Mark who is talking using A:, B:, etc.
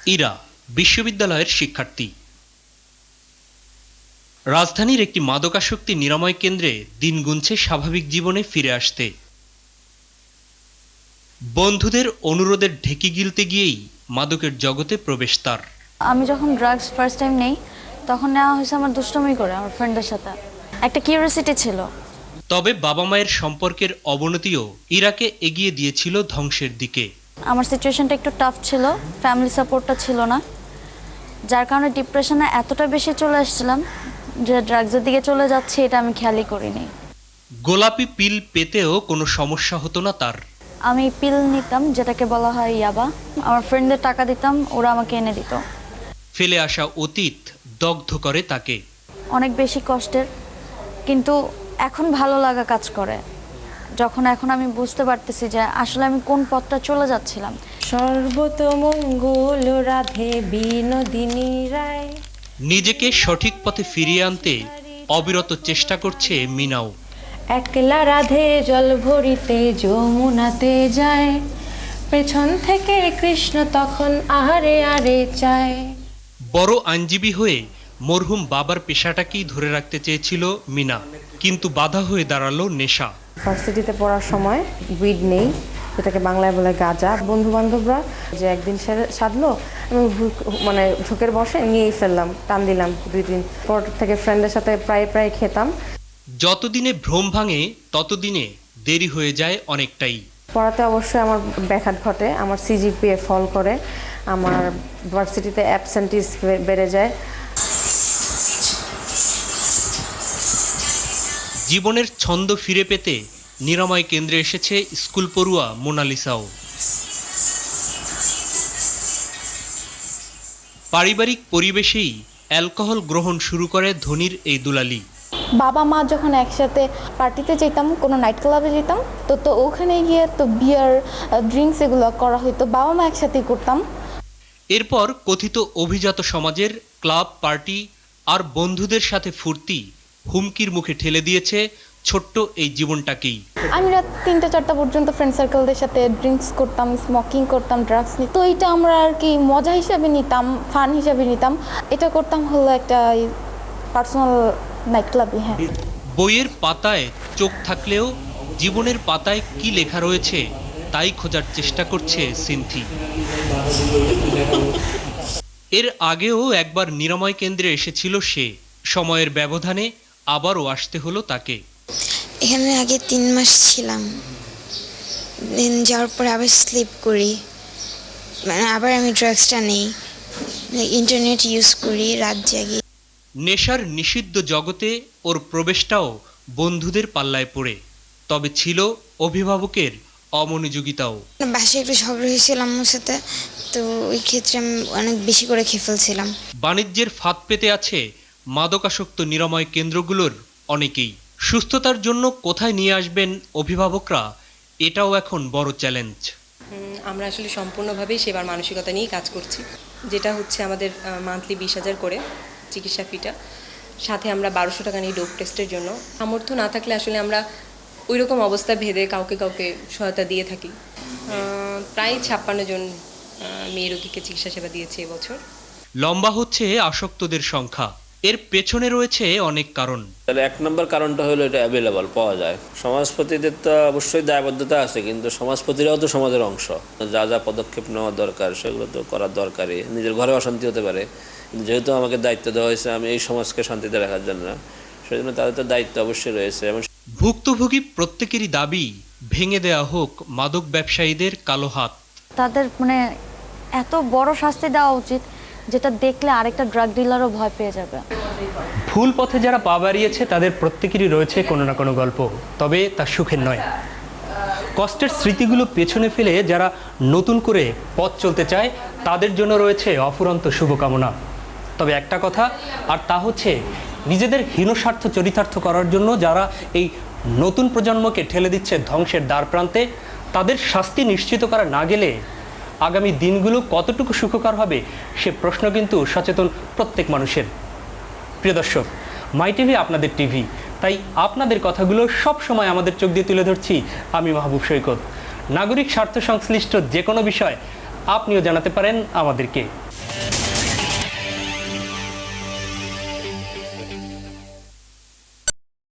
A: ইরা বিশ্ববিদ্যালয়ের শিক্ষার্থী। রাজধানীর একটি মাদকাসক্তি নিরাময় কেন্দ্রে দিন গুনছে স্বাভাবিক জীবনে ফিরে আসতে। বন্ধুদের অনুরোধের ঢেকি গিলতে গিয়েই মাদকের জগতে প্রবেশ তার।
B: আমি যখন ড্রাগস ফার্স্ট টাইম নেই তখন নেওয়া হয়েছে আমার দুষ্টুমি করে আমার ফ্রেন্ডের সাথে, একটা কিউরিওসিটি ছিল।
A: তবে বাবা মায়ের সম্পর্কের অবনতিও ইরাকে এগিয়ে দিয়েছিল ধ্বংসের দিকে।
B: আমার সিচুয়েশনটা একটু টাফ ছিল, ফ্যামিলি সাপোর্টটা ছিল না, যার কারণে ডিপ্রেশনে এতটা বেশি চলে আসছিলাম যে ড্রাগসের দিকে চলে যাচ্ছে এটা আমি খেয়ালই করিনি।
A: গোলাপি পিল পেতেও কোনো সমস্যা হতো না তার।
B: আমি পিল নিতাম, যেটাকে বলা হয় ইয়াবা। আমার ফ্রেন্ডদের টাকা দিতাম, ওরা আমাকে এনে দিত।
A: ফেলে আসা অতীত দগ্ধ করে তাকে।
B: অনেক বেশি কষ্টের, কিন্তু এখন ভালো লাগা কাজ করে যখন এখন আমি বুঝতে পারতেছি যে আসলে আমি কোন পথটা চলে যাচ্ছিলাম।
C: সর্বতমঙ্গল রাধে বিনোদিনী রায়।
A: নিজেকে সঠিক পথে ফিরিয়ে আনতে অবিরত চেষ্টা করছে মিনাও।
C: একলা রাধে জল ভরিতে যমুনাতে যায়, পেছন থেকে কৃষ্ণ তখন আহারে আরে চায়।
A: বড় আইনজীবী হয়ে মরহুম বাবার পেশাটাকেই ধরে রাখতে চেয়েছিল মিনা, কিন্তু বাধা হয়ে দাঁড়ালো নেশা।
C: ভার্সিটিতে পড়ার সময় উইড নেই, যেটাকে বাংলায় বলে গাঁজা। বন্ধু বান্ধবরা যে একদিন সাধলো, আমি মানে ঝোঁকের বসে নিয়েই ফেললাম, টান দিলাম 2 দিন পর থেকে ফ্রেন্ডের সাথে প্রায় খেতাম।
A: যতদিনে ভ্রম ভাঙে ততদিনে দেরি হয়ে যায় অনেকটাই।
C: পড়াতে অবশ্যই আমার ব্যাঘাত ঘটে, আমার সিজিপিএ ফল করে, আমার ভার্সিটিতে অ্যাবসেন্টিস বেড়ে যায়।
A: জীবনের ছন্দ ফিরে পেতে নিরাময় কেন্দ্রে এসেছে স্কুল পড়ুয়া মোনালিসাও। পারিবারিক পরিবেশেই অ্যালকোহল গ্রহণ শুরু করে ধনির এই দুলালি।
D: বাবা মা যখন একসাথে পার্টিতে যেতাম, কোনো নাইট ক্লাবে যেতাম, তো ওখানে গিয়ে তো বিয়ার ড্রিঙ্কস এগুলো করা হতো, বাবা মা একসাথেই করতাম।
A: এরপর কথিত অভিজাত সমাজের ক্লাব, পার্টি আর বন্ধুদের সাথে ফুর্তি হুমকির মুখে ঠেলে দিয়েছে ছোট্ট এই জীবনটাকেই।
D: আমি রাত 3টা-4টা পর্যন্ত ফ্রেন্ড সার্কেলদের সাথে ড্রিঙ্কস করতাম, স্মোকিং করতাম, ড্রাগস নিতাম। তো এটা আমরা আর কি মজা হিসাবে নিতাম, ফান হিসাবে নিতাম। এটা করতাম হলো একটা পার্সোনাল নাইট ক্লাবে। হ্যাঁ,
A: বইয়ের পাতায় চোখ থাকলেও জীবনের পাতায় কি লেখা রয়েছে তাই খোঁজার চেষ্টা করছে সিনথি। এর আগেও একবার নিরাময় কেন্দ্রে এসেছিল সে। সময়ের ব্যবধানে আবারও আসতে হলো তাকে।
E: এখানে আগে 3 মাস ছিলাম, দেন যাওয়ার পরে আবার স্লিপ করি, মানে আবার আমি ড্রাগসটা নেই, ইন্টারনেট ইউজ করি, রাত জাগি।
A: নেশার নিষিদ্ধ জগতে ওর প্রবেশটাও বন্ধুদের পাল্লায় পড়ে, তবে ছিল অভিভাবকের অমনোযোগিতাও।
E: বাসায় একটু ঝগড়া হয়েছিল আম্মুর সাথে, তো ওই ক্ষেত্রে আমি অনেক বেশি করে খেয়ে ফেলছিলাম।
A: বাণিজ্যের ফাঁদ পেতে আছে মাদকাসক্ত নিরাময় কেন্দ্রগুলোর অনেকেই। সুস্থতার জন্য কোথায় নিয়ে আসবেন অভিভাবকরা, এটাও এখন বড় চ্যালেঞ্জ।
F: আমরা আসলে সম্পূর্ণভাবেই সেবার মানসিকতা নিয়েই কাজ করছি, যেটা হচ্ছে আমাদের মান্থলি 20,000 করে চিকিৎসা ফিটা, সাথে আমরা 1200 টাকা নিই ডোপ টেস্টের জন্য। সামর্থ্য না থাকলে আসলে আমরা ওই রকম অবস্থা ভেদে কাউকে সহায়তা দিয়ে থাকি। প্রায় 56 জন মেয়ে রোগীকে চিকিৎসা সেবা দিয়েছে এবছর।
A: লম্বা হচ্ছে আসক্তদের সংখ্যা, এর পেছনে রয়েছে অনেক কারণ।
G: তাহলে 1 নম্বর কারণটা হলো এটা অ্যাভেলেবল পাওয়া যায়। সমাজপতিদের তো অবশ্যই দায়বদ্ধতা আছে, কিন্তু সমাজপতিরাও তো সমাজের অংশ। যা যা পদক্ষেপ নেওয়া দরকার সেগুলো তো করার দরকারই। নিজের ঘরে অশান্তি হতে পারে, কিন্তু যেহেতু আমাকে দায়িত্ব দেওয়া হয়েছে আমি এই সমাজকে শান্তিতে রাখার জন্য, সেই জন্য তাদের তো দায়িত্ব অবশ্যই রয়েছে। এবং
A: ভুক্তভোগী প্রত্যেকেরই দাবি ভেঙে দেওয়া হোক মাদক ব্যবসায়ীদের কালো হাত।
B: তাদের মানে এত বড় শাস্তি দেওয়া উচিত যেটা দেখলে আরেকটা ড্রাগ ডিলারও ভয় পেয়ে যাবে।
H: ভুল পথে যারা পা বাড়িয়েছে তাদের প্রত্যেকেরই রয়েছে কোনো না কোনো গল্প, তবে তা সুখের নয়। কষ্টের স্মৃতিগুলো পেছনে ফেলে যারা নতুন করে পথ চলতে চায় তাদের জন্য রয়েছে অফুরন্ত শুভকামনা। তবে একটা কথা, আর তা হচ্ছে নিজেদের হীনস্বার্থ চরিতার্থ করার জন্য যারা এই নতুন প্রজন্মকে ঠেলে দিচ্ছে ধ্বংসের দ্বার প্রান্তে, তাদের শাস্তি নিশ্চিত করা না গেলে আগামী দিনগুলো কতটুকু সুখকর হবে সে প্রশ্ন কিন্তু সচেতন প্রত্যেক মানুষের। প্রিয় দর্শক, মাই টিভি আপনাদের টিভি, তাই আপনাদের কথাগুলো সব সময় আমাদের চোখ দিয়ে তুলে ধরছি আমি মাহবুব সৈকত। নাগরিক স্বার্থ সংশ্লিষ্ট যে কোনো বিষয় আপনিও জানাতে পারেন আমাদেরকে।